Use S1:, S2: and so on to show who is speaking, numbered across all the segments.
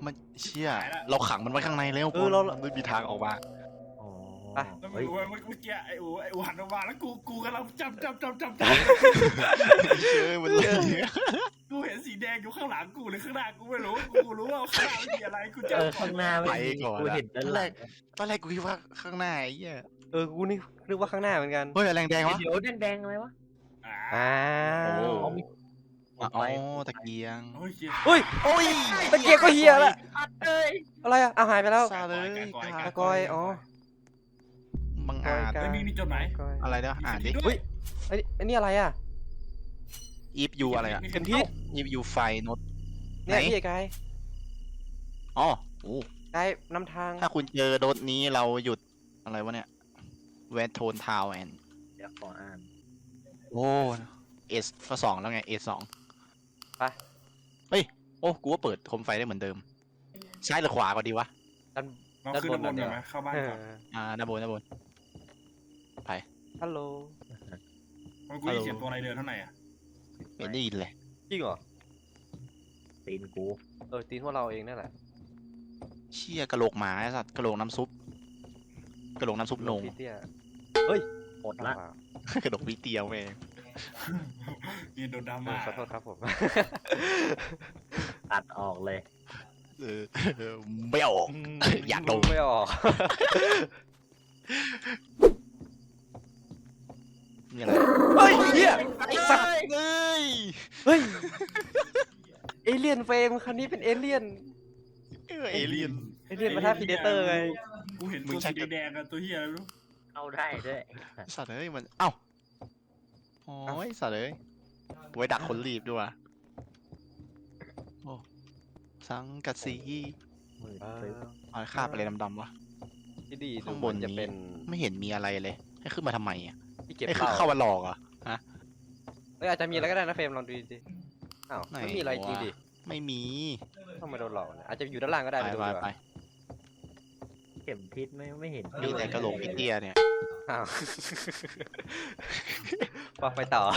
S1: มันเชี่ยเราขังมันไว้ข้างในแล้วมันไม่มีทางออกมา
S2: อ๋อ
S3: แล้วมึ
S2: เฮ้
S3: ง
S2: ย
S3: รู้ไหมเมื่อกี้ไอ้อูหันออกมาแล้วกูกำลังจำ
S1: เชื่อมันเลย
S3: กูเห็นสีแดงอยู่ข้างหลังกูหรือข้างหน้ากูไม่รู้กูรู้ว่าข้างหน้ามันมีอะไรกูจำ
S2: ข้างหน้าไม่มีกูเห็นด้านหลัง
S1: ตอนแรกกูคิดว่าข้างหน้าไอ้เหี้ย
S4: กูนี่นึกว่าข้างหน้าเหมือนกัน
S1: เฮ้ยแรงแดงวะ
S2: เดี๋ยวแดงๆอะไรวะ
S3: อ่า
S4: อ้า
S1: โอ้
S4: ว
S1: อ๋อตะเกียง
S3: โอ้ยเหี้ย
S4: เฮ้ย
S1: โอ้ย
S4: ตะเกียงก็เฮียละ
S2: เอ้ย
S4: อะไรอ่ะหายไปแล้ว
S1: ซาเลย
S4: ตะกอยอ๋อ
S1: บังอาจ
S3: ไม่มีจดหมาย
S1: อะไรเนาะอ่านดิ
S4: เฮ้ยอันนี้อะไรอ่ะ
S1: อีฟยูอะไรอ่ะ
S4: เข็มทิศ
S1: อีฟยูไฟโน้ต
S4: เนี่ย
S1: ไหน
S4: พี่กาย
S1: อ๋อโอ้
S4: กายนำทาง
S1: ถ้าคุณเจอโดสนี้เราหยุดอะไรวะเนี่ยแวนโทนทาวแอน
S2: เดี๋ยวขออ่าน
S1: โอ้เอสก็สองแล้วไงเอสสอง
S4: ไป
S1: เฮ้ยโอ้กูว่าเปิดโคมไฟได้เหมือนเดิมซ้ายหรือขวาก็ดีวะ
S3: เราขึ้นด้านบนก่อนไหมเข้าบ้านก่อน
S1: ด้านบน
S4: ฮัลโหล
S3: มันกูได้เขียนตัวอะไรเดินเท่าไหร่อ่ะ
S1: ไม่ได้ยินเลย
S4: จริงเหรอ
S2: ตีนกู
S4: ตีนพวกเราเองนั่นแหละ
S1: เชี่ยกระโหลกหมาไอ้สัตว์กระโหลกน้ำซุปกระโหลกน้ำซุปโหนง
S4: พี่เตี้ย
S2: หมดละ
S1: กระโหลกวิเตียวแม่ง
S3: มีโดนดราม่า
S4: ขอโทษครับผม
S2: ตัดออกเลย
S1: เออไม่ออก อยากโดน
S4: ไม่ออก
S1: นี่อะไร
S4: เฮ้ยเฮียไอ้สัตว์
S1: เอ้ย
S4: เฮ้ยเอเลี่ยนเฟรมคันนี้เป็นเอเลี่ยน
S1: เอเลี่ยน
S4: เอเลี่ยนมาท่าพีเดเตอร์ไง
S3: กูเห็นตัวสีแดงๆกับตัวเหี้ยอะไรไม่รู้
S2: เข้าได้ด้วย
S1: สัตว์เอ้ยมันเอ้าโอ้ยสัตว์เอ้ยไว้ดักคนรีบด้วยว่ะโอ้สังกะสี
S2: มือซื้อ
S1: เอาคาบอะไรดำๆวะ
S4: ที่ดี
S1: ข้างบน
S4: จะเป็น
S1: ไม่เห็นมีอะไรเลยให้ขึ้นมาทำไมอ่ะ
S4: ที่เก็บ
S1: ไอ้
S4: เห
S1: คือ
S4: ล้า
S1: เข้ามาหลอกเหรอ่ะ
S4: อาจจะมีอะไรก็ได้นะเฟรมลองดูดิอ้าว
S1: ไหน
S4: ไม่มีอะไรจริงดิ
S1: ไม่มี
S4: ต้องมาโดนหลอกเนี่ยอาจจะอยู่ด้านล่างก็ได้
S1: ไป
S4: ไปดู
S1: ไป
S4: ดีก
S1: ไป
S4: ว่า
S2: เข็มทิศไม่เห็น
S1: มีแต่กระโหลกพี่เตี้ยเนี่ย
S4: อ้าวไปต่อ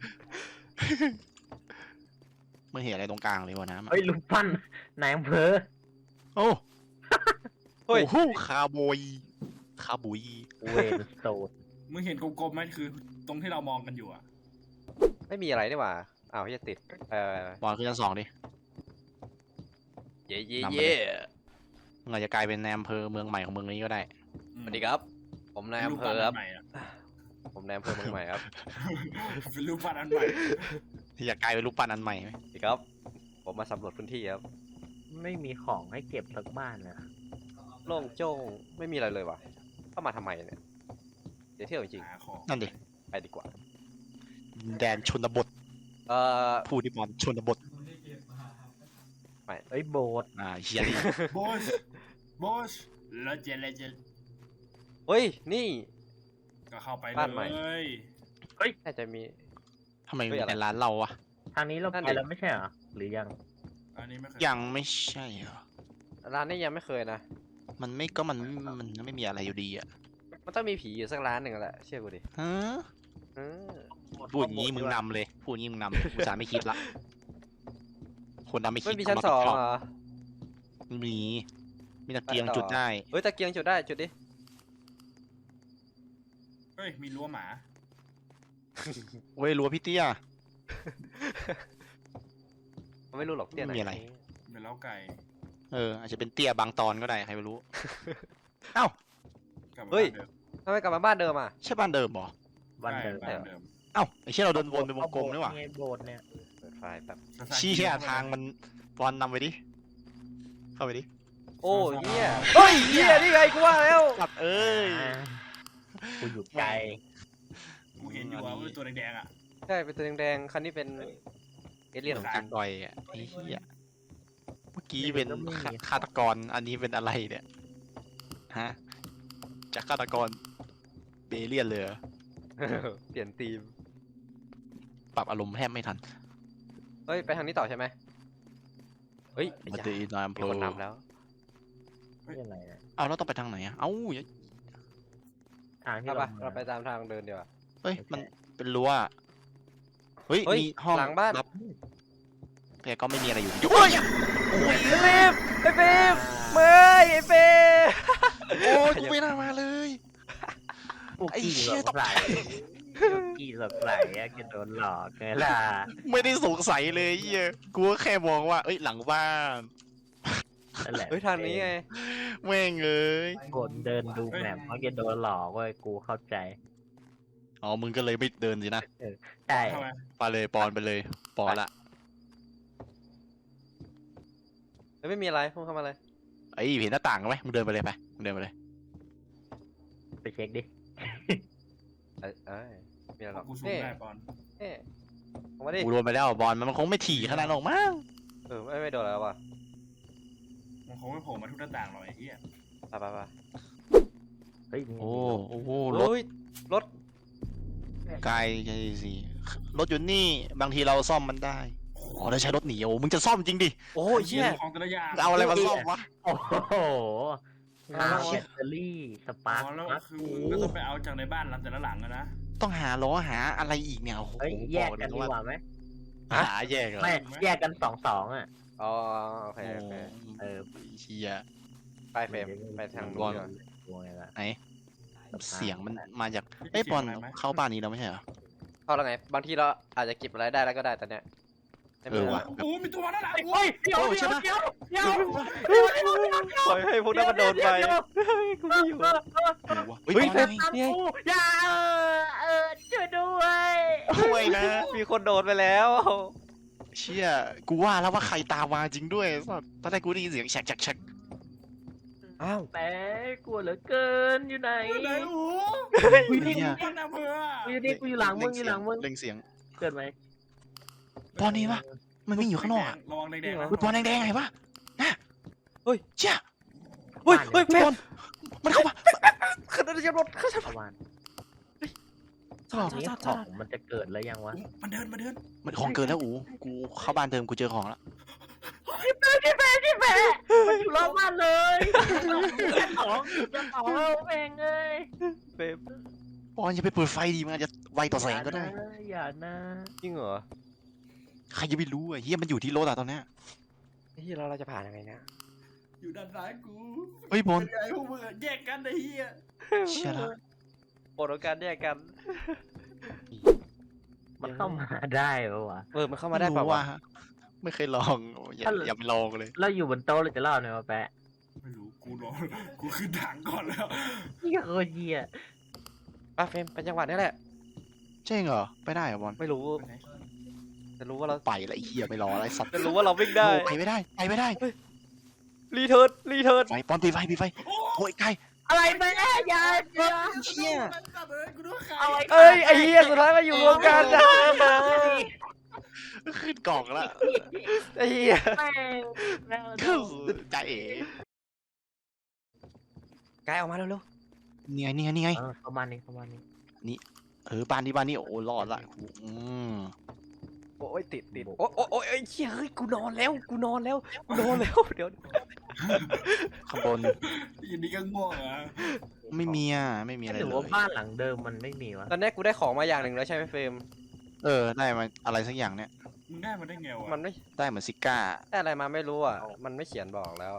S1: มึงเห็นอะไรตรงกลางเลยวะนะ
S2: เฮ้ยลูกปั้นนายอำเภอ
S1: โอ้
S4: เฮ้ย
S1: โอ้โหคาร์บอยคาร์บุย
S2: เวรโซด
S3: มึงเห็นกลมๆไหมคือตรงที่เรามองกันอยู่อ่ะ
S4: ไม่มีอะไรนี่หว่าอ้าวจะติด
S1: บอลขึ้นชั้นสองดิ
S4: เย่เย่
S1: นำไป
S4: เย่
S1: เลย มึงอาจจะกลายเป็นในอำเภอเมืองใหม่ของเมืองนี้ก็ได้
S4: สวัสดีครับ ผมนายอำเภอครับ
S3: ใหม่อ่ะ
S4: ผมนายอำเภอเมืองใหม่ครับ
S3: เป็นรูปปั้นอันใหม่
S1: ที่อยากกลายเป็นรูปปั้นอันใหม่ไหม
S4: สวัสดีครับ ผมมาสำรวจพื้นที่ครับ
S2: ไม่มีของให้เก็บสักบ้านเลย
S4: โล่งโจ้งไม่มีอะไรเลยว่ะเข้ามาทำไมเนี่ยเดี๋ยวเที่ยวจริง
S3: หาของ
S1: นั่นดิ
S4: ๆไปดีกว่า
S1: แดนชนบท
S4: เอ่อ
S1: ผู้ที่บอลชนบท
S2: เอ้ยโบสถ์
S1: เฮียดิ
S3: โบชแล้วเจเลเจน
S4: เฮ้ยนี่
S3: ก็เข้าไป
S4: บ้านใหม่
S3: เลย
S4: น่าจะมี
S1: ทำไม
S4: เฮ้
S1: มี
S4: ยอะไร
S1: แต่ร้านเราอะ
S2: ทางนี้เรา
S4: นั่น
S2: ไป
S4: ดิ
S2: แล้วไม่ใช่เหรอหรือยัง
S3: อันนี้ไม่เคย
S1: ยังไม่ใช่เหรอ
S4: ร้านนี้ยังไม่เคยนะ
S1: มันไม่มีอะไรอยู่ดีอะ
S4: มันต้องมีผีอยู่สักร้านหนึ่งแหละเชื่อกูดิ
S1: ฮะ
S4: เออ
S1: พูดอย่างนี้มึงนำเลยพูดอย่างนี้มึงนำเลยกูจะไม่คิดละคนนำไม่คิ
S4: ไม่
S1: ด
S4: มีชั้นสองเหรอ
S1: มีตะเกียงจุดได้
S4: เฮ้ยตะเกียงจุดได้จุดดิ
S3: เฮ้ยมีรั้วหมา
S1: เว้ยรั้วพี่เตี้ย
S4: มันไม่รู้หรอกเตี้ยไหน
S1: ไม่มีอะไร
S3: เป็นเล้าไก่
S1: อาจจะเป็นเตี้ยบางตอนก็ได้ใครไม่รู้ เอ้าก
S3: ลับมา
S4: เฮ้ย
S3: บ้านเดิม
S4: ทำไมกลับมาบ้านเดิมอ่ะ
S1: ใช่บ้านเดิมเหรอ
S2: วันเดิม
S3: ใช่บ้านเดิม
S1: เอ้าไอ้เชี่ยเราเดินวนเป็นวงกลมนี่หว่า
S2: ไงโบสถ์เนี่ย
S4: เปิดไฟแบบ
S1: ชี้แค่ทางมันบอลนำไปดิเข้าไปดิ
S4: โอ้เหี้ยเฮ้ยเหี้ยนี่ไงกูว่าแล้ว
S1: สัตว์เอ้ย
S2: อ่ากูอยู่ไกล
S3: กูเห็นอยู่ว่าเป็นตัวแดงๆอ่ะ
S4: ใช่เป็นตัวแดงๆคันนี้เป็นเอเลี่ยนของจริง
S1: ดอยอ่ะไอ้เหี้ยเมื่อกี้เป็นฆาตกรอันนี้เป็นอะไรเนี่ยฮะจากฆาตกรเบเลียนเลยเหรอ
S4: เปลี่ยนธีม
S1: ปรับอารมณ์แทบไม่ทัน
S4: เฮ้ยไปทางนี้ต่อใช่ไหมเฮ้ย
S1: มาตีนายอำเภ
S4: มี
S1: อ
S4: คนนำแล้ว
S2: นี่อะไรเนี่ย
S1: เอาแล้วต้องไปทางไหนอ่ะเอ้า
S2: ทางที่
S4: เอา
S2: เรา
S4: ปะเราไปตามทางเดินดีกว่า
S1: เฮ้ยมันเป็นรั้วเฮ้ย
S4: เฮ้ย
S1: มีห้อง
S4: หลังบ้าน
S1: รับแต่ก็ไม่มีอะไรอยู่
S4: เฮ้ยโอ้ยเฟรมไอ้เฟร
S2: ใสกี่สดใสอะแกโดนหลอกไงล่ะ
S1: ไม่ได้สงสัยเลยเหี้ยกูก็แค่มองว่าเอ้ยหลังบ้าน
S2: นั่นแหละ
S4: เฮ้ยทางนี้ไง
S1: แม่งเอ้ย
S2: คนเดินดูแมพเพราะแกโดนหลอกเว้ยกูเข้าใจ
S1: อ๋อมึงก็เลยไม่เดินสินะ
S2: ใช่
S3: ทำไม
S1: ไปเลยปอนไปเลยปอนละ
S4: ไม่มีอะไรพุ่งเข้ามาเลย
S1: ไอ้ยเห็นหน้าต่างไหมมึงเดินไปเลยไปมึงเดินไปเลย
S2: ไปเช็คดิ
S4: มีอะไรหรอก
S3: กูสู้
S4: เอ๊ะ
S3: ได้ปอน
S4: เอ๊ะออกมาดิ
S1: กูโดนไปแล้วบอลมันคงไม่ถี่ขนาดนั้นหรอกมั้ง
S4: ไม่โดนแล้วว่ะ
S3: มันคงไม่โผล่มาทุกหน้าต่างหรอกไอ้เหี้ย
S4: ไป
S2: เฮ้ยนี่
S1: โอ้โหรถ
S4: เฮ้ยรถ
S1: ไกลใช่สิรถอยู่นี่บางทีเราซ่อมมันได้อ๋อแล้วใช้รถหนีโอ้มึงจะซ่อมจริงดิ
S4: โอ้ยเชี่ย
S3: ของแต่ละอย่าง
S1: เอาอะไรมาซ่อมวะ
S2: โอ้โหน้ำแบตเตอรี่สปาร์ค
S3: อ๋อแล้วคือมึงก็ต้องไปเอาจากในบ้านหลังแต่ละหลังอะนะ
S1: ต้องหาล้อหาอะไรอีกเนี่ยโอ้โห
S2: เฮ้ยแยกกันดีกว่าไหม
S1: หาแยกเหรอ
S2: ไม่แยกกัน2-2อ่ะ
S4: อ๋อโอเค
S1: โอ้
S4: โอเค
S2: เออ
S1: เชีย
S4: ไปเฟรมไปทางนู้นดีกว่า
S2: กลัวไงล่ะ
S1: ไหนเสียงมันมาจากเอ้ยบอลเข้าบ้านนี้แล้วไม่ใช่เหรอ
S4: เข้าแล้วไงบางทีเราอาจจะเก็บอะไรได้แล้วก็ได้ตอนเนี้ยไม่
S1: เออ
S4: รู้
S1: ว่ะ
S3: โอ้มีตัวมาแล้วนะ
S2: เฮ้ยเดี๋ยว
S1: โอ้ใช่
S2: เดี๋ยว
S1: ปะ
S2: เดี๋ยว
S4: ปล่อยให้พวกนั้นมันโดนไปกูไม่อยู่
S1: เฮ้ย
S4: เฮ้ย
S1: บอล
S2: ตามกูอย่าช่วยด้วย
S1: ช่วยนะ
S4: มีคนโดนไปแล้ว
S1: เชี่ยกูว่าแล้วว่าใครตามมาจริงด้วยสัสตอนแรกกูได้ยินเสียงแฉกแฉกแฉก
S4: อ้าว
S2: แต่กลัวเหลือเกินอยู่ไหน
S3: ไหนโอ้
S2: กูอยู่นี่
S1: เนี่ย
S3: บ้านอำเภอ
S2: กูอยู่นี่กูอยู่หลังมึงอยู่หลังมึง
S1: เร่งเสียง
S2: เกิดไหม
S1: บอลนี่ปะมันวิ่งอยู่ข้างนอกอะ
S3: ระวังแดงๆนะ
S1: เฮ้ยบอลแดงๆไงวะน่ะ
S4: เฮ้ย
S1: เชี่ย
S4: เฮ้ยเฮ้ย
S1: บ
S4: แม่
S1: อลมันเข้ามา
S4: ขึ้นรถขึ้น
S2: ประมาณ
S4: จอด
S2: นี้ของมันจะเกิดแล้วยังวะ
S3: มันเดิน
S1: มันของเกินแล้วอูกูเข้าบ้านเดิมกูเจอของแล้ว
S2: พี่แม่มันอยู่รอบบ้านเลยของเราเองเลย
S4: เฟรม
S1: บอลอย่าไปเปิดไฟดีมันอาจจะไวต่อแสงก็ได้
S2: อย่านะ
S4: จริงเหรอ
S1: ใครจะไปรู้อ่ะเฮียมันอยู่ที่รถอะตอนเนี้ย
S4: เฮ้ยเราจะผ่านยังไงเนี่ย
S3: อยู่ด้านซ้ายกู
S1: เฮ้ยบอล
S3: เป็นไงพวกมึงแยกกันไอ้เหี้ย
S1: เชี่ยละ
S4: โปรดการแยกกัน
S2: มันเข้ามาได้ปะวะ
S4: มันเข้ามาได้เปล่าวะ
S1: ไม่เคยลองอย่าไปลองเลย
S2: เราอยู่บนโต๊ะเราจะเล่าเนี่ยวะแปะ
S3: ไม่รู้กูรอกูขึ้นถังก่อนแล้ว
S2: นี่โคตรเหี้ย
S4: เฟรมเป็นจังหวะนี้แหละ
S1: เจ๊งเหรอไปได้เหรอบอล
S4: ไม่รู้จะรู้ว่าเรา
S1: ไปละไอ้เฮียไม่รออะไรสัตว์
S4: จะรู้ว่าเราวิ่งได้
S1: ไปไม่ได้ไปไม่ได้
S4: รีเทิร์น
S1: ไฟปอนตีไฟปีไฟโอ้ยใกล้
S2: อะไรไปแน่อย่า
S1: เชี่ย
S3: กูดูใคร
S2: เอา
S4: เอ้ยไอ้เหี้ยสุดท้ายมาอยู่รวมกันนะ
S1: ขึ้นกล่องแล้ว
S4: ไอ้เหี้ย
S2: แม่ง
S1: ใจเอ๋
S4: กายออกมาเร็ว
S1: นี่ไง
S2: ประมาณนี้
S1: บ้านนี้โอ้รอดละ
S4: ๆโอ้ยติดโอ้ยไอ้เหี้ยเฮ้ยกูนอนแล้วเดี๋ยว
S1: ข้างบน
S3: ยินดีก็ง่วงอ่ะ
S1: ไม่มีอะไร
S2: หรือ
S1: เล
S2: ว่าย บ้านหลังเดิมมันไม่มีวะ
S4: ตอนนี้กูได้ของมาอย่างหนึ่งแล้วใช่ไหมเฟรม
S1: ได้มาอะไรสักอย่างเนี่ย
S3: มึงได้มาได้ไงวะ
S4: มันไม่
S1: ได้เหมือนซิก้า
S4: ได้อะไรมาไม่รู้อ่ะมันไม่เขียนบอกแล้ว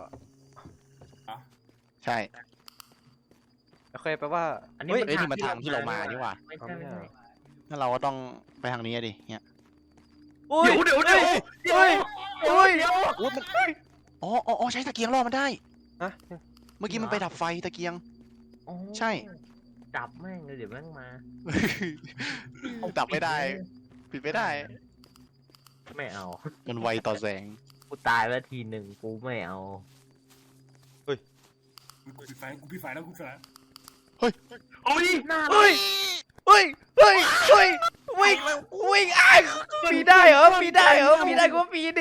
S1: ใช่
S4: โอเคแปลว่า
S1: เฮ้ยนี่มันทางที่เรามานี่หว่า
S2: ไม่ใช่
S1: งั้นเราก็ต้องไปทางนี้ดิเนี่ย
S4: เดี๋ยวเฮ้ย
S1: โอ้มันอ๋อใช้ตะเกียงล่อมันได้
S4: ฮะ
S1: เมื่อกี้มันไปดับไฟตะเกียง ใช่
S2: จับแม่งเลยเดี๋ยวแม่งมา
S1: ดับไม่ได้ ปิดไม่ได้
S2: ไม่เอา
S1: มันไวต่อแสง
S2: กูตายแล้วทีหนึ่งกูไม่เอา
S3: กูปิดไฟแล้วกูปิดไฟ
S2: โอ้ยหน้า
S4: เฮ้ยวิ่งปีได้เหรอปีได้ก็ปีดิ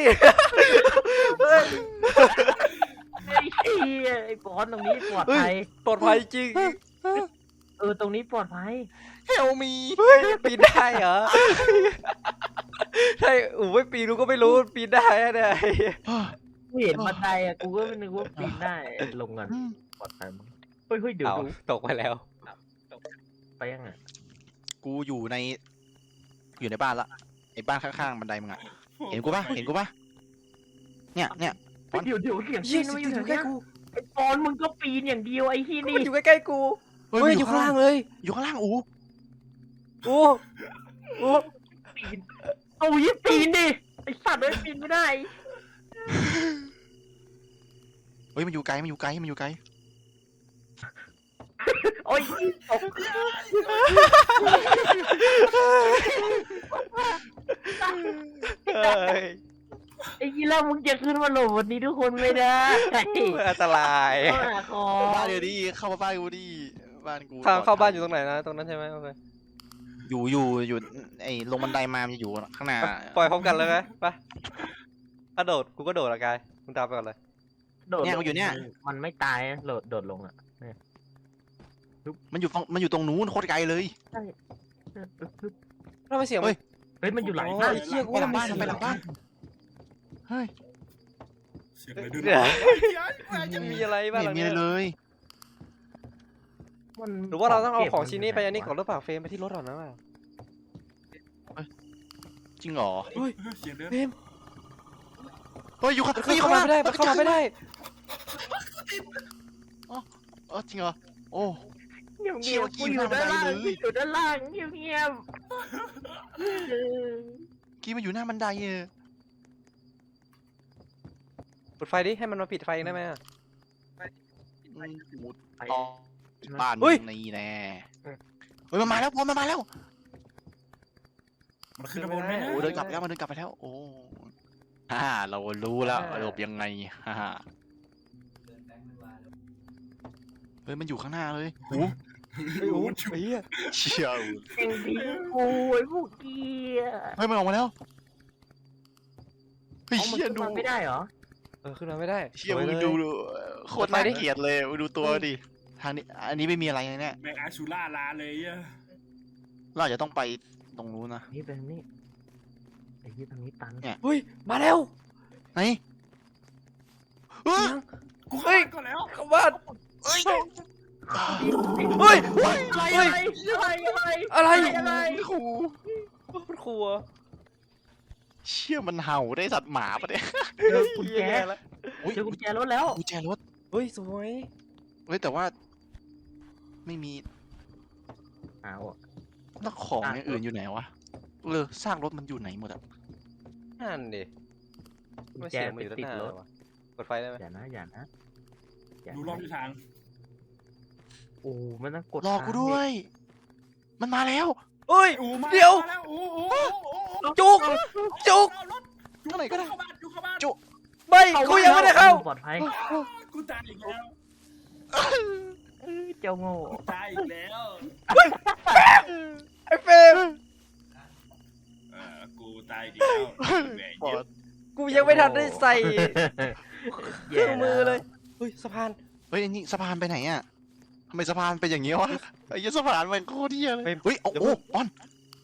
S2: ไอ้เหี้ยไอ้บอลตรงนี้ปลอดภัย
S4: ปลอดภัยจริง
S2: ตรงนี้ปลอดภัย
S1: เฮลมี
S4: ปีนได้เหรอใช่ไม่ปีรู้ก็ไม่รู้ปีนได้เนี่ย
S2: กูเห็นบันไดอ่ะกูก็ไม่นึกว่าปีนได้ลงกันปลอดภัยมั้งเฮ้ยเดี๋ยว
S4: เอา
S2: ดู
S4: ตกไปแล้ว
S2: ไปยังไง
S1: กูอยู่ในบ้านละไอ้บ้านข้างๆบันไดมึงอะเห็นกูปะเนี่ย
S2: เดี๋ยวเสียง
S4: เยี่
S2: ปี
S4: ย
S2: น
S4: ม
S2: มาอ
S4: อยู่ ยู่
S2: ไหน
S4: ใกล้
S2: เนี่ย
S4: กู
S2: ไอ้บอลมึงก็ปีนอย่างเดียวไอ้ที่นี่
S4: มันอยู่ใกล้ๆกู
S1: เฮ้ย
S4: เฮ้ยอยู่ข้างล่างเลย
S1: อยู่ข้างล่างอู
S4: โอ้โอ้
S2: ปีนเอายิบปีนดิไอสัตว์เลยปีนไม่ได้
S1: เฮ้ยมันอยู่ไกลมันอยู่ไกลมันอยู่ไกล
S2: โอ้ยตก
S4: เฮ้ย
S2: ไอ้ยี่แล้วมึงจะขึ้นมาหลบวันนี้ทุกคนไม่ได้
S4: อันตราย
S2: เข้าหาคอ
S1: บ้านเดี๋ยวดิเข้ามาบ้านกูดิบ้านกู
S4: ทางเข้าบ้านอยู่ตรงไหนนะตรงนั้นใช่ไหมโอเค
S1: อยู่ไอ้ลงบันไดมามันจะอยู่ข้างหน้า
S4: ปล่อยพร้อมกันเลยไหมไปกระโดดกูก็โดดละกายมึงตามไปก่อนเลย
S2: โดด
S1: เนี่ยกูอยู่เนี่ย
S2: มันไม่ตายอะโดดลงอ่ะ
S1: มันอยู่ตรงนู้นโคตรไกลเลย
S4: แล้วไปเสียง
S1: เฮ้ย
S2: เฮ้ยมันอยู่หลัง
S4: โอ้
S2: บ้าน
S4: ยเชี่ยกู
S1: ไปหลังบ้าน
S4: ว่
S1: ไปหลังบ้านเฮ้ย
S3: เสียงอะไรด้วย
S4: เดี๋ยว
S3: จะ
S4: มีอะไรบ้าง
S1: ไม่
S4: หลัง
S1: มี
S4: เนี้
S1: อะไร
S4: ย
S1: เลย
S2: มัน
S4: หรือว่าเราต้องเอาของชิ้นนี้ไปอันนี้ก่อนหรือเปล่าเฟรมไปที่รถก่อนนะว่า
S1: จริงเหรอ
S3: เสียงเดิน
S4: เฟรม
S1: เฮ้ยอยู่ข้าง
S4: มันเข้ามาไม่ได้มันเข้ามาไม่ได้
S1: จริงเหรอโอ้
S2: เงียบ
S1: เชี่
S2: เงี
S1: ย
S2: ยบ
S1: เมื่อกี้
S2: กูอยู่ด้านล่าง
S1: อยู่หน้าบันไดเลย
S2: อยู่ด้านล่างเงียบเงียบ
S1: กี้มันอยู่หน้าบันไดเออ
S4: ปิดไฟดิให้มันมาปิดไฟเองได้ไหมอะ
S1: ต่อบ้าน
S4: เฮ้ย
S1: นี่แน่เฮ้ยมันมาแล้วพอมันมาแล้ว
S3: มันขึ้นมาบนไหม
S1: โอ้เดินกลับไปแล้วมันเดินกลับไปแล้วโอ้เรารู้แล้วหลบยังไงเฮ้ยมันอยู่ข้างหน้าเลยโอ้
S4: ไอ้โอ้ยไอ้เหี้ย
S1: เชี่ยว
S2: เอ็งดีกูไอ้พวกเกียร์
S1: เฮ้ยมันออกมาแล้วเฮ้ย
S2: เอามัน
S1: เชี่ย
S2: ขึ้น
S1: ดู
S2: มาไม่ได้เหรอ
S4: ขึ้นมาไม่ได้
S1: เชี่ย
S4: สว
S1: มึง
S4: ล
S1: ดูโคตรน่า
S4: ไปดิ
S1: เกลียดเลยมึงดูตัวดิทางนี้อันนี้ไม่มีอะไรเลยเนี่ย
S3: แมงอาชูล่าลาเลยอ่ะ
S1: เราอาจจะต้องไปตรงนู้นนะ
S2: นี่เป็นนี่ไอ้ยี่ทางนี้ตัน
S1: เนี่ย
S4: เฮ้ยมาแล้ว
S1: ไหนเฮ้ย
S3: กูเข้าบ้านก่อนแล้ว
S4: เข้าบ้าน
S1: เฮ้ย
S4: เฮ้ย
S2: อะไร
S4: อะไร
S2: อะไร
S1: ครู
S4: มันครัว
S1: เชี่ยมันเห่าได้สัตว์หมาปะเนี่ย
S2: เจอกุญแจ
S4: แล้ว
S1: อุ๊ย
S2: เจอกุญแจรถแล้ว
S1: กุญแจรถ
S4: เฮ้ยสวย
S1: เฮ้ยแต่ว่า ไม่มี
S2: เอาอะ
S1: แล้วของอย่างอื่นอยู่ไหนวะซากรถมันอยู่ไหนหมดอะ
S4: นั่นดิ
S2: กุญ
S4: ไม่
S2: แจ
S4: เสียง
S2: ไป
S4: มันอยู่ด้าน
S2: ติด
S4: หน้าร
S2: ถ
S4: วะกดไฟได้ไหม
S2: อย่านะอย่านะ
S3: ดูรอบทิศทาง
S2: โอ้มันต้องกด
S1: รอกูด้วย มันมาแล้ว
S4: เฮ้ย
S3: อูมา
S4: เดี๋ยว
S3: มาแล้วอู
S4: จุกจุก
S3: เอารถ
S1: เท่าไหร่ก็ได้
S3: เข้าบ้านจุเข้าบ้าน
S1: จุ
S4: ไม่กูยังไม่ได้เข้า
S2: ปลอดภัย
S3: กูตายอีกแล้ว
S2: เจ้าโง่
S3: ตายอีกแล้ว
S4: ไอ้เฟรม
S3: กูตายอีกแล้วแหม
S1: ปอ
S3: เย็
S1: ด
S3: บ
S4: กูยังไม่ทันได้ใส่เค
S2: แย่
S4: รื่องมือเลยเฮ้ยสะพาน
S1: เฮ้ยอันนี้สะพานไปไหนอะทำไมสะพานเป็นอย่างงี้วะไอ้เหี้ยสะพานมันโคตรเหี้ยเลย เฮ้ยโอ้โหปอน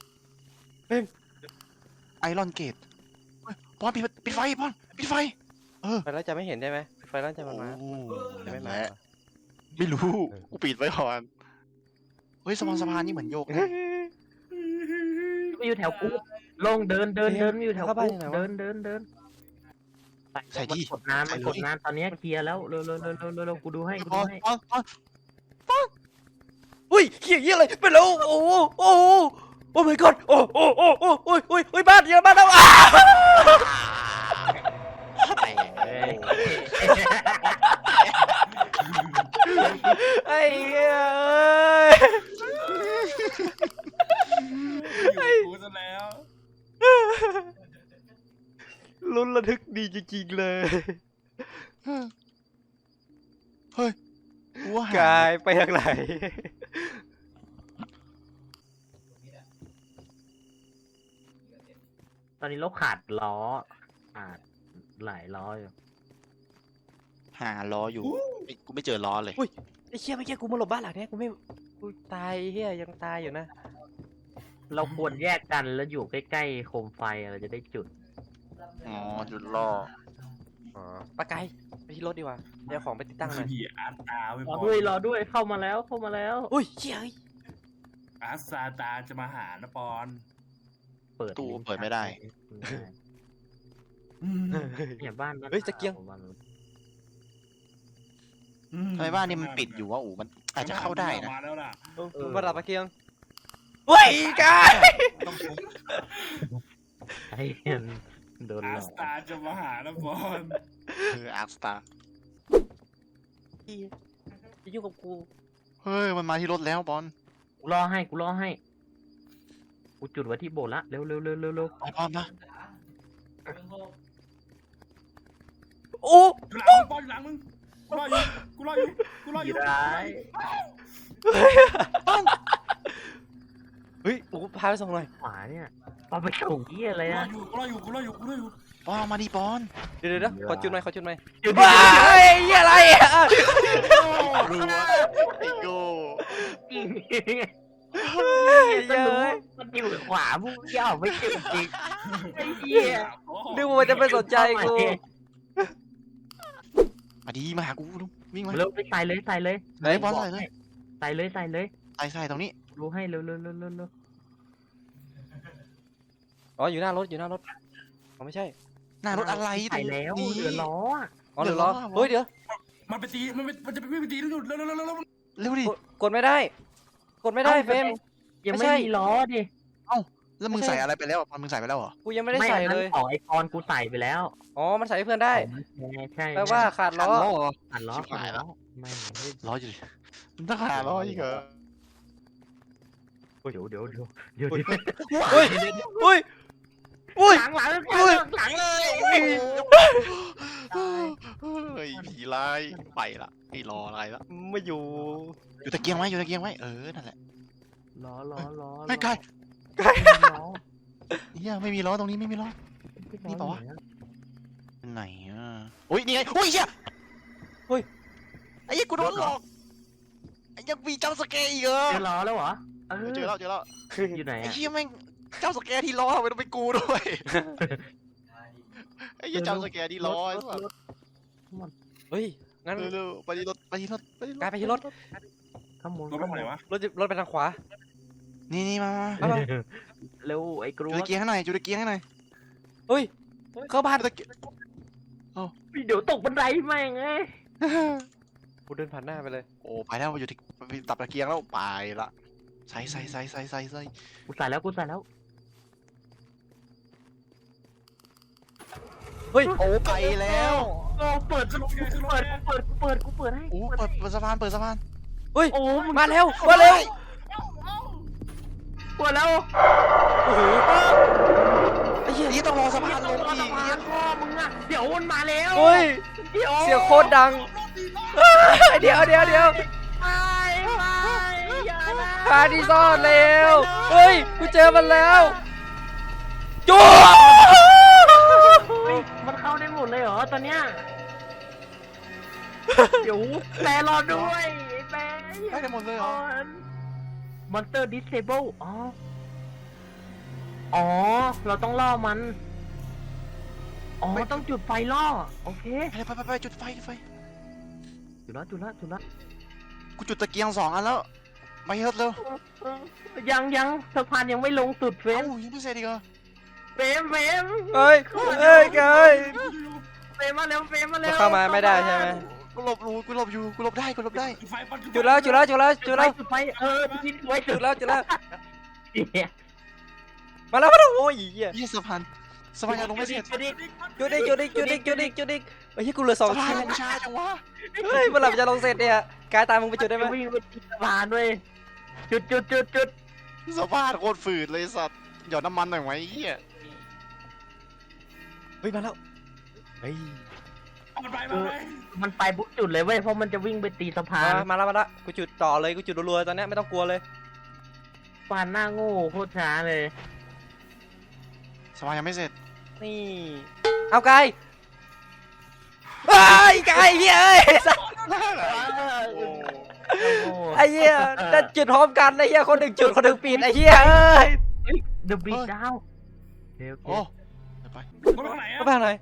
S1: ไอรอนเกตปอนปิดไฟปอนปิดไฟ
S4: ไฟแล้วจะไม่เห็นใช่ไหมไฟแล้วจะมันมา
S1: โอ้
S4: จะไม่
S1: นั่น
S4: มา
S1: แหละไม่รู้กูปิดไว้ก่อนเฮ้ยสะพานนี่เหมือนโยกนะ
S2: ไม่อยู่แถวกูลงเดินไม่อยู่แถวกูเดิน
S1: ใส่ดิ
S2: กดน้ำมันกดน้ำตอนนี้เคลียร์แล้วเร็วกูดูให้กู
S1: ป
S2: ดู
S1: อน
S2: ให้
S4: อุ้ยเหี้ยเหี้ยอะไรไปแล้วโอ้โหโอ้โหโอ้ my god โอ้โอ้โอ้โอ้โอ้ยโอ้ยโอ้ยบ้านเยอะบ้านแล้วอ้าไอ้เหี้ยเอ้ย
S3: อยู่กับกูซะแล้ว
S4: ลุ้นระทึกดีจริงๆเลย
S1: เฮ้ยกูว่าหาก
S4: ายไปทางไหน
S2: ตอนนี้เราขาดล้อขาดหลายล้ออยู่
S1: หาล้ออยู่กูไม่เจอล้อเลย
S4: ไอ้เชี่ยเมื่อกี้กูมาหลบบ้านหลังเนี้ยกูตายเฮียยังตายอยู่นะ
S2: เราควรแยกกันแล้วอยู่ใกล้ๆโคมไฟเราจะได้จุด
S1: อ๋อจุดล่อ
S4: อ๋อปะไกไปที่รถดีกว่าเดี๋ยวของไปติดตั้งห
S3: คื
S4: น่
S3: อ
S4: อย
S3: ผีอาร์ตาไป
S2: รอด้วยเข้ามาแล้ว
S4: อุ้ยเชี่ยเฮ้ย
S3: อาร์ตซาตาจะมาหานะปอน
S2: เปิด
S1: ตู้เปิดไม่ได้
S2: เนี่ยบ้าน
S4: เฮ้ยตะเกียง
S1: ทำไมบ้านนี่มันปิดอยู่วะอู๋มันอาจจะเข้าได้นะ
S3: มาแล้วล่ะ
S4: ประดับตะเกียงเฮ้ยกาย
S1: ต้องทุบ
S2: ไอ้เหี้ยโดนห
S3: อา
S2: ลอ
S3: ส
S2: ก
S3: ตาร์จะมาหาแล้วบอล
S1: อาร์คสตาร์
S4: จะยุ่งกับกู
S1: เฮ้ยมันมาที่รถแล้วบอล
S2: กูรอให้กูจุดไว้ที่โบสถ์ละเร็วเร็วเร็วเร็วเร็ว
S1: ไอ้บอลนะ
S4: โอ้
S3: อยู่หลังมึงบอลอยู่หลังมึงกูรออยู่กูรออยู่
S2: ได้
S4: เฮ้ยกูพาไปส่งหน่อย
S2: ขวาเนี่ยปาไปส่งที่อะไรอะ
S3: กูรออยู่
S1: บอลมาดิบอล
S4: เดี๋ยวขอจุดหน่อย
S2: จุด
S4: ว้ายเหี้ยอะไรอ่ะ
S1: รัวไอ้โก้
S2: จริง
S4: เย้ย
S2: มันอยู่ขวาพวกเหี้ย่าไม่เก่งจริงไอ้เหี้ย
S4: นึกว่ามันจะไม่สนใจกู
S1: มาดีมาหากูลุงวิ่งมา
S2: เร็วไปใส่เลย
S1: ไหนบอลใส่เลย
S2: ใส่เลย
S1: ใส่ตรงนี้
S2: ดูให้เร็ว
S4: อ๋ออยู่หน้ารถอ๋อไม่ใช่
S1: หน้ารถอะไร
S2: ใส่แล้ว
S1: นี่
S2: เหลือล้ออะ
S4: อ๋อเดี๋ยวรอเฮ้ยเดี๋ยว
S3: มันจะไปวิ่งไปตีแล้วเร็ว
S1: เร็วดิ
S4: กดไม่ได้เฟรม
S2: ยัง
S4: ไม่
S2: ไม่
S4: ใช่
S2: มีล้อดิ
S1: แล้วมึงใส่อะไรไปแล้วบอลมึงใส่ไปแล้วเหรอ
S4: กูยังไม่ได้ใส่เลย
S2: ของไอคอนกูใส่ไปแล้ว
S4: อ๋อมันใส่ให้เพื่อนได้
S2: ใช่
S4: แปลว่าขาดล้อ
S1: เหรอ
S2: ขัดล้อ
S1: ชิบหายแล้ว
S2: ไม่
S1: ล้ออยู่ดิมันต้องหาล้ออีกเหรอ
S2: เดี๋ยว
S4: เฮ้ยอุ้ย
S2: หลังเลย
S1: เฮ้ยผีร้ายไปละไม่รออะไรละ
S4: ไม่อยู่
S1: อยู่ตะเกียงไว้นั่นแหละ
S2: ล้อ
S1: ไม่ไกล
S2: ล้อ
S1: เฮียไม่มีล้อตรงนี้ไม่มีล้อ นี่ปะวะ ไหนอ่ะอุ้ยนี่ไงอุ้ยเฮียไอ้เหี้ยกูโดนหลอกไอ้ยังมีเจ้าสเกย์อีกเหรอ
S2: เจอล้อแล้วเหรอ
S1: เจอแล้ว
S2: อยู่ไหน
S1: ไอ้
S2: อะ
S1: เฮียแม่งเจ้าสเกย์ที่ล้อทำไมต้องเป็นกูด้วยไอ้เฮียเจ้าสเกย์ที่ล้อไอ้สัส
S4: เฮ้ยงั้น
S1: เร็วๆไปที่รถ
S4: กลายไปที่รถ
S2: ข้าม
S3: ๆรถไปไหนวะ
S4: รถไปทางขวา
S1: นี่มา
S4: เอามา
S2: เร็วไอ้กรู
S1: จุดตะเกียงให้หน่อยจุดตะเกียงให้หน่อย
S4: เฮ้ยเข้าบ้าน
S1: จุดตะเกียง
S2: เดี๋ยวตกบันไดแม่งไง
S4: กูเดินผ่านหน้าไปเลย
S1: โอ้ไปแล้วอยู่ที่ตับตะเกียงแล้วไปละใส่
S2: กูใส่แล้ว
S4: เฮ้ย
S1: โอ้ไปแล้ว
S2: โอ้เปิดให้
S1: โอ้เปิดสะพาน
S4: เฮ้ย
S2: โอ้
S4: มาเร็ว
S2: เปิดแล้ว
S4: โอ้โหไอ้เหี้ย
S1: นี่ต้องรอสะพานลง
S2: พ่อ
S1: อีก
S2: มึงอะเดี๋ยวมันมาแล้ว
S4: เฮ้ย
S2: เดี๋ยว
S4: เสียงโคตรดังเดี๋ยว
S2: ไปอย่านะ
S4: หาที่ซ่อนเร็วเฮ้ยกูเจอมันแล้วจู๊
S2: เฮ้ยมันเข้าได้หมดเลยเหรอตอนเนี้ยเดี๋ยวแปรรอด้วยแปร
S1: ได้หมดเลยเหรอ
S2: มอนสเตอร์ดิสเซเบิลอ๋อเราต้องล่อมันอ๋อต้องจุดไฟล่อโอเค
S1: ไปจุดไฟ
S2: จุดละ
S1: กูจุดตะเกียง2 อันแล้วไปเฮ็ดเร็ว
S2: ยังสะพานยังไม่ลงสุดเฟร
S1: เอ้าม ยังไม่เสร็จอีกเหรอ
S2: เฟรม
S4: เฮ้ยกาย
S2: เฟรมมาเร็ว
S4: เข้ามาไม่ได้ใช่ไหม
S1: กูหลบอยู่กูหลบได้
S3: ไฟปัน
S4: จุดแล้ว
S2: จุดไฟที่ไว้
S4: จุดแล้ว
S2: เนี่ย
S4: มาแล้วโอ้ยเหี้ย
S1: ยี่สะพานยังลงไม่เสร็จ
S4: จุดอีกไอ้ที่กูเหลือ2
S1: สะพา
S4: ชิ้
S1: น
S4: น
S1: ลงช้าจังวะ
S4: เฮ้ยเมื่อไหร่มันจะลงเสร็จเนี่ยกายตามมึงไปจุดได้ไหม
S2: วิ่งไปที่สะพานด้วยจุด
S1: สะพานโคตรฝืดเลยสัตว์หยอดน้ำมันหน่อยไหมเฮีย
S4: เฮ้ยมาแล้วเฮ้ย
S3: มันไป
S2: มันไปบุกจุดเลยเว้ยเพราะมันจะวิ่งไปตีสะพาน
S4: มาแล้วกูจุดต่อเลยกูจุดรัวๆตอนนี้ไม่ต้องกลัวเลย
S2: ปานหน้าโง่โคตรช้าเลย
S1: สะพานยังไม่เสร็จ
S4: นี่เอากายกายเฮ้ยไอ้เหี้ยจะจุดพร้อมกันไอ้เหี้ยคนหนึ่งจุดคนหนึ่งปิดไอ้เหี้ยเอ้ย
S2: เดอะบีดาวโอ
S1: โอ้
S2: เค
S1: ไป
S3: รถไปไหน
S4: ก็
S3: อะ
S4: ไปไหน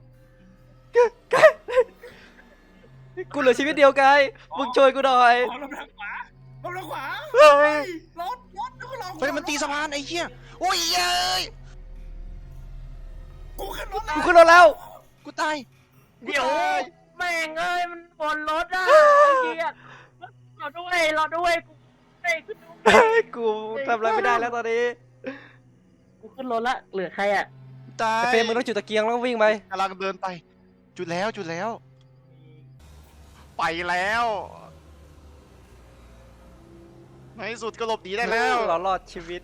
S4: กูเหลือชีวิตเดียวกายมึงช่วยกูหน่อย
S3: รถไปทางขวา
S4: เฮ้ย
S3: รถแล้วก็รอ
S1: เฮ้ยมันตีสะพานไอ้เหี้ยโอ้ยเย้ย
S3: กูขึ้นรถ
S4: กูขึ้นรถแล้ว
S1: กูตาย
S2: เดี๋ยวแม่งเอ้ยมันบนรถอ่ะเกียรรอด้วยกู
S4: กูทำอะไรไม่ได้แล้วตอนนี้
S2: กูขึ้นรถละเหลือใครอ่ะ
S1: ตาย
S4: ไอ้เฟรมมึงต้องจุดตะเกียงแล้วก็วิ่งไป
S1: กำลังเดินไป จุดแล้วไปแล้วในที่สุดก็หลบหนีได้แล้ว
S4: เรารอดชีวิต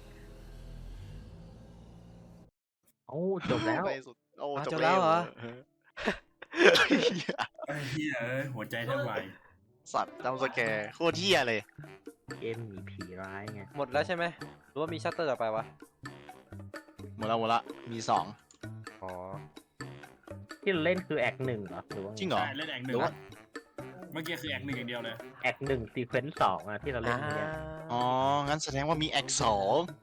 S2: โอ้จบแล้ว
S1: ในที่สุดโอ้
S4: อ้าว
S1: จ
S4: จ
S1: บบ แล้
S4: แล้ว วเหรอ
S3: ไอ้เหี้ยหัวใจแทบวาย
S1: สัตว์จำสแกร์โคตรเที่ยเลย
S2: เกมมีผีร้ายไง
S4: หมดแล้วใช่ไหมหรือว่ามีชัตเตอร์ต่อไปวะ
S1: หมดละมี2
S4: อ๋อ
S2: ที่เราเล่นคือแอคหนึ่งเหรอหรือว่า
S1: จริงเหรอ
S3: ใช่เล่นแอกหนึ่งเมื่อกี้คือแอกหนึ่งอย่างเดียวเลย
S2: แอคหนึ่งซีเควนซ์สองอะที่เราเล่นเนี่ย
S1: อ๋อ งั้นแสดงว่ามีแอค2